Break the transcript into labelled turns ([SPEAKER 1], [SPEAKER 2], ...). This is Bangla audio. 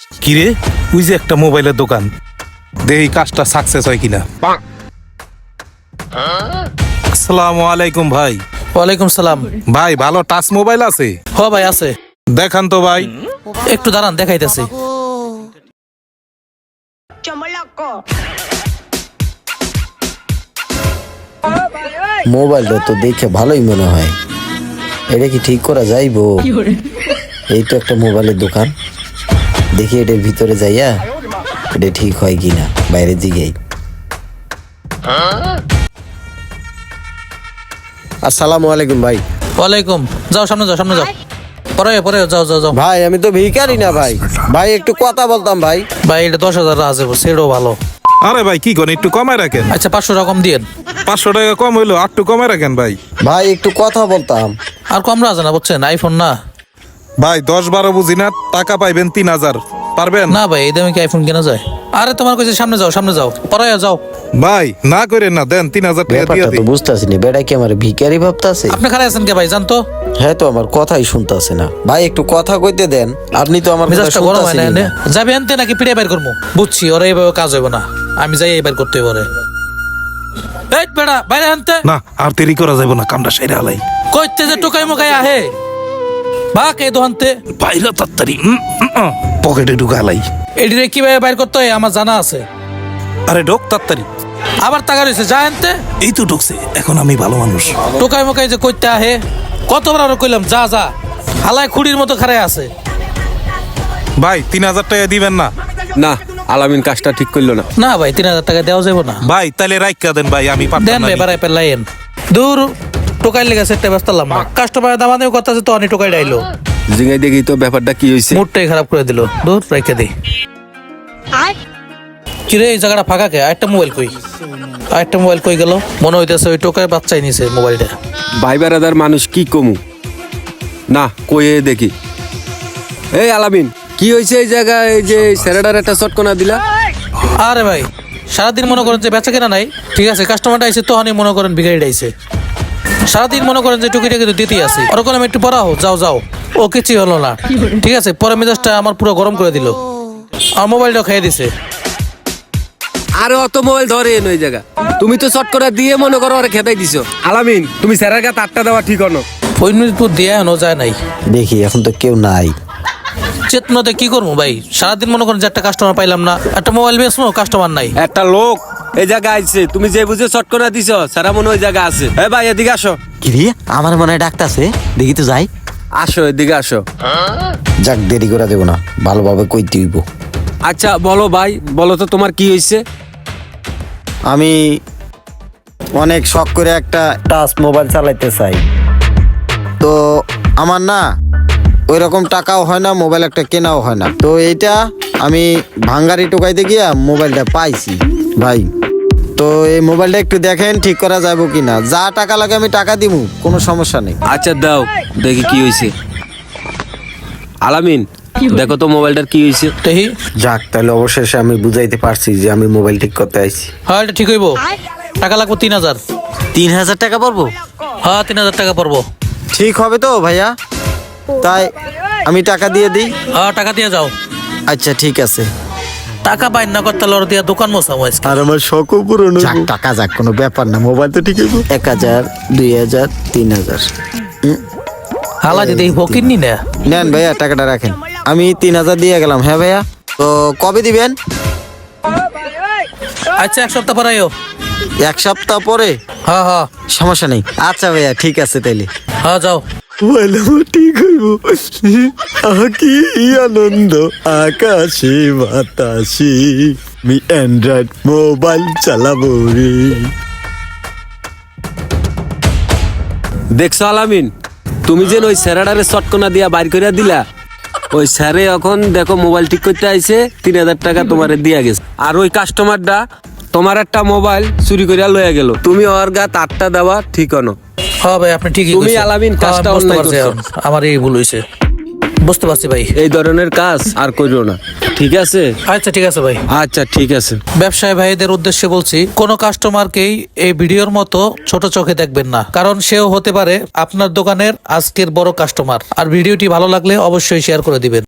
[SPEAKER 1] কিরে ওই যে একটা মোবাইলের দোকান, দেখি কাজটা সাকসেস হয় কিনা। আসসালামু আলাইকুম ভাই।
[SPEAKER 2] ওয়ালাইকুম সালাম।
[SPEAKER 1] ভাই ভালো টাচ মোবাইল আছে?
[SPEAKER 2] হ ভাই আছে।
[SPEAKER 1] দেখান তো ভাই।
[SPEAKER 2] একটু দাঁড়ান দেখাইতেছি।
[SPEAKER 3] মোবাইলটা তো দেখে ভালোই মনে হয়, এটা কি ঠিক করা যাইবো? এই তো একটা মোবাইলের দোকান, দেখি এটার ভিতরে যাইয়া এটা ঠিক হয় কিনা, বাইরে জিগাই। আসসালামু আলাইকুম ভাই।
[SPEAKER 2] ওয়ালাইকুম। যাও সামনে যাও, সামনে যাও। পরে পরে যাও যাও যাও।
[SPEAKER 3] ভাই আমি তো ভিখারি না ভাই, ভাই একটু কথা বলতাম ভাই।
[SPEAKER 2] ভাই এটা 10,000 আছে, সেটাও ভালো।
[SPEAKER 1] আরে ভাই কি করেন, একটু কমায় রাখেন।
[SPEAKER 2] আচ্ছা 500 রকম দিয়েন।
[SPEAKER 1] 500 টাকা কম হইলো, আর একটু কমায় রাখেন ভাই।
[SPEAKER 3] ভাই একটু কথা বলতাম।
[SPEAKER 2] আর কম রাজা না বুঝছেন, আইফোন না।
[SPEAKER 1] ভাই 10-12 বুঝি না, টাকা পাইবেন 3000, পারবেন?
[SPEAKER 2] না ভাই এই দামে কি আইফোন কেনা যায়? আরে তোমার কাছে সামনে যাও, সামনে যাও, পরে যাও।
[SPEAKER 1] ভাই না করেন না, দেন 3000 টাকা দিয়ে
[SPEAKER 3] ব্যাপারটা তো
[SPEAKER 1] দিই।
[SPEAKER 3] বুঝতেছি না, বেটা কি আমার ভিখারি ভাবতাছে?
[SPEAKER 2] আপনি খারাপ আছেন কে ভাই, জানতো?
[SPEAKER 3] হ্যাঁ তো আমার কথাই শুনতাছে না ভাই, একটু কথা কইতে দেন। আপনি তো আমার কথা
[SPEAKER 2] মেজাজটা গরম হয়
[SPEAKER 3] শুনতাছেনই
[SPEAKER 2] না।
[SPEAKER 3] না।
[SPEAKER 2] যাবে আনতে নাকি পিড়ে বাইর করবো? বুঝছি ওরা এইভাবে কাজ হইব না, আমি যাই এইবার করতে হইব রে। এই বেড়া বাইরে আনতে।
[SPEAKER 1] না আর দেরি করা যাবে না, কামটা সেরে আলাই।
[SPEAKER 2] কইতে যে টোকাই মোকাই আহে ভাগ এই দোহানতে।
[SPEAKER 1] বাইরে তাড়াতাড়ি পকেটে ঢুকালাই।
[SPEAKER 2] এডিরে কিভাবে বাইর করতে হয় আমার জানা আছে।
[SPEAKER 1] আরে ঢোক তাড়াতাড়ি।
[SPEAKER 2] আবার টাকা রয়েছে যা আনতে।
[SPEAKER 1] এই তো ঢুকছে, এখন আমি ভালো মানুষ।
[SPEAKER 2] টোকাই মোকাই যে কইতে আহে, কতবার আরো কইলাম যা যা, হালায় খুঁড়ির মতো খাড়াই আছে।
[SPEAKER 1] ভাই 3000 টাকা দিবেন না?
[SPEAKER 4] না, আলামিন কাজটা ঠিক করলো না।
[SPEAKER 2] না ভাই 3,000 টাকা দেওয়া যাবে না।
[SPEAKER 1] ভাই তাহলে রাইখা দেন ভাই, আমি পারতাম
[SPEAKER 2] দেন
[SPEAKER 1] না
[SPEAKER 2] ভাই
[SPEAKER 1] নিতে।
[SPEAKER 2] বাড়াই পেলাইন। দূর টোকাই লেগে সেটটা ব্যস্ত না। কাস্টমার দামানেও কথা আছে তো অনেক টোকাই ডাইলো।
[SPEAKER 4] জিঙ্গাই দেখি তো ব্যাপারটা কি হয়েছে।
[SPEAKER 2] মুডটাই খারাপ করে দিল। দূর রেখে দিই। কিরে এই জায়গাটা ফাঁকা কে? আরেকটা মোবাইল কই? আরেকটা মোবাইল কই গেল? মনে হইতেছে ওই টোকায় বাচ্চাই নিছে মোবাইলটা।
[SPEAKER 4] ভাই বেড়াদার মানুষ কি কমু না, কয়ে দেখি। এই আলামিন কি হয়েছে এই জায়গায়, এই যে স্যারেডার একটা শটকনা দিলা?
[SPEAKER 2] আরে ভাই সারাদিন মনে করেন যে বেচা কেনা নাই, ঠিক আছে, কাস্টমারটা আইছে তো মনে করেন বিগাড়ি আইছে। সারাদিন মনে করেন যে টুকিটা কিন্তু দিতেই আছে। ওরকম আমি একটু পড়াও, যাও যাও। ও কিছুই হলো না, ঠিক আছে। পরে মেজাজটা আমার পুরো গরম করে দিল, আর মোবাইলটাও খেয়ে দিছে।
[SPEAKER 4] আরে অত মোবাইল ধরে এন ওই জায়গা, তুমি তো শটকনা দিয়ে মনে করো ওরা খেতাই দিছো। আলামিন তুমি স্যারের কাছে 8টা দেওয়া ঠিক হনো।
[SPEAKER 2] ফৈনুরপুর দিয়ে এনো যায় নাই।
[SPEAKER 3] দেখি এখন তো কেউ নাই।
[SPEAKER 2] চেতনাতে কি করবো ভাই, সারাদিন মনে করেন যে একটা কাস্টমার পাইলাম না, একটা মোবাইল বেচবো কাস্টমার নাই।
[SPEAKER 4] একটা লোক এই জায়গায় আইছে, তুমি যে বুঝে শটকনা দিছো স্যারা মনে ওই জায়গা আছে। এই ভাই এদিকে আসো।
[SPEAKER 3] কি রে, আমার মনে হয় ডাকতাছে, দেখি তো যাই।
[SPEAKER 4] আসো এদিকে আসো।
[SPEAKER 3] যাক দেরি করে দেবো না, ভালোভাবে কইতে হইব।
[SPEAKER 4] আচ্ছা বলো ভাই, বলো তো তোমার কি হয়েছে?
[SPEAKER 3] আমি অনেক শখ করে একটা টাচ মোবাইল চালাইতে চাই, তো আমার না ওই রকম টাকাও হয় না, মোবাইল একটা কেনাও হয় না। তো এইটা আমি ভাঙ্গারি টোকাইতে গিয়া মোবাইলটা পাইছি ভাই। তো এই মোবাইলটা একটু দেখেন ঠিক করা যাবে কিনা, যা টাকা লাগে আমি টাকা দিব, কোনো সমস্যা নেই।
[SPEAKER 4] আচ্ছা দাও দেখি কি হয়েছে। আলামিন দেখো তো মোবাইলটার কি হয়েছে।
[SPEAKER 2] দেখি।
[SPEAKER 3] যাক তাহলে অবশেষে আমি বুঝাইতে পারছি যে আমি মোবাইল ঠিক করতে আইছি।
[SPEAKER 2] হ্যাঁ এটা ঠিক হইব। টাকা লাগবে 3,000।
[SPEAKER 3] 3,000 টাকা পড়বো?
[SPEAKER 2] হ্যাঁ 3,000 টাকা পড়বো।
[SPEAKER 3] ঠিক হবে তো ভাইয়া? তাই আমি টাকা দিয়ে দিই।
[SPEAKER 2] হ্যাঁ টাকা দিয়ে যাও।
[SPEAKER 3] আচ্ছা ঠিক আছে।
[SPEAKER 2] টাকা পাই না করতে লড় দিয়া দোকান মোসামো আজকে।
[SPEAKER 3] আর আমার শখও পূরণ যাক, টাকা যাক, কোনো ব্যাপার না, মোবাইল তো ঠিক হইব। 1,000 2,000 3,000
[SPEAKER 2] হালা দিদি ফকির নি না।
[SPEAKER 3] নেন ভাইয়া টাকাটা রাখেন, আমি 3,000 দিয়ে গেলাম। হ্যাঁ ভাইয়া, তো কবে দিবেন?
[SPEAKER 2] আচ্ছা 1 সপ্তাহ পরে আইও।
[SPEAKER 3] 1 সপ্তাহ পরে?
[SPEAKER 2] হ্যাঁ হ্যাঁ
[SPEAKER 3] সমস্যা নেই। আচ্ছা ভাইয়া ঠিক আছে তাইলে।
[SPEAKER 2] হ্যাঁ যাও।
[SPEAKER 3] মোবাইল ঠিক হইব, কি আনন্দ আকাশে বাতাসে, আমি অ্যান্ড্রয়েড মোবাইল চালাবো রে।
[SPEAKER 4] দেখছো আলামিন, তুমি যে ওই স্যারেডারে শটকনা দিয়া বাইর করে দিলা, ওই স্যারে এখন দেখো মোবাইল ঠিক করতে আইছে, 3,000 টাকা তোমারে দিয়া গেছে। আর ওই কাস্টমারটা তোমার একটা মোবাইল চুরি করিয়া লইয়া গেল, তুমি ওর গা 8টা দেওয়া ঠিক হনো।
[SPEAKER 2] হ্যাঁ ভাই আপনি ঠিকই
[SPEAKER 4] তুমি
[SPEAKER 2] কইছেন।
[SPEAKER 4] আলামিন
[SPEAKER 2] হ্যাঁ,
[SPEAKER 4] কাজটা
[SPEAKER 2] বুঝতে
[SPEAKER 4] অন্যায়
[SPEAKER 2] পারছি
[SPEAKER 4] করছো।
[SPEAKER 2] এখন। আমার এই ভুল হইছে, বুঝতে পারছি ভাই।
[SPEAKER 4] এই ধরনের কাজ আর করিও না, ঠিক আছে?
[SPEAKER 2] আচ্ছা ঠিক আছে ভাই।
[SPEAKER 4] আচ্ছা ঠিক আছে।
[SPEAKER 2] ব্যবসায়ী ভাইদের উদ্দেশ্যে বলছি, কোনো কাস্টমারকেই এই ভিডিওর মতো ছোট চোখে দেখবেন না, কারণ সেও হতে পারে আপনার দোকানের আজকের বড় কাস্টমার। আর ভিডিওটি ভালো লাগলে অবশ্যই শেয়ার করে দিবেন।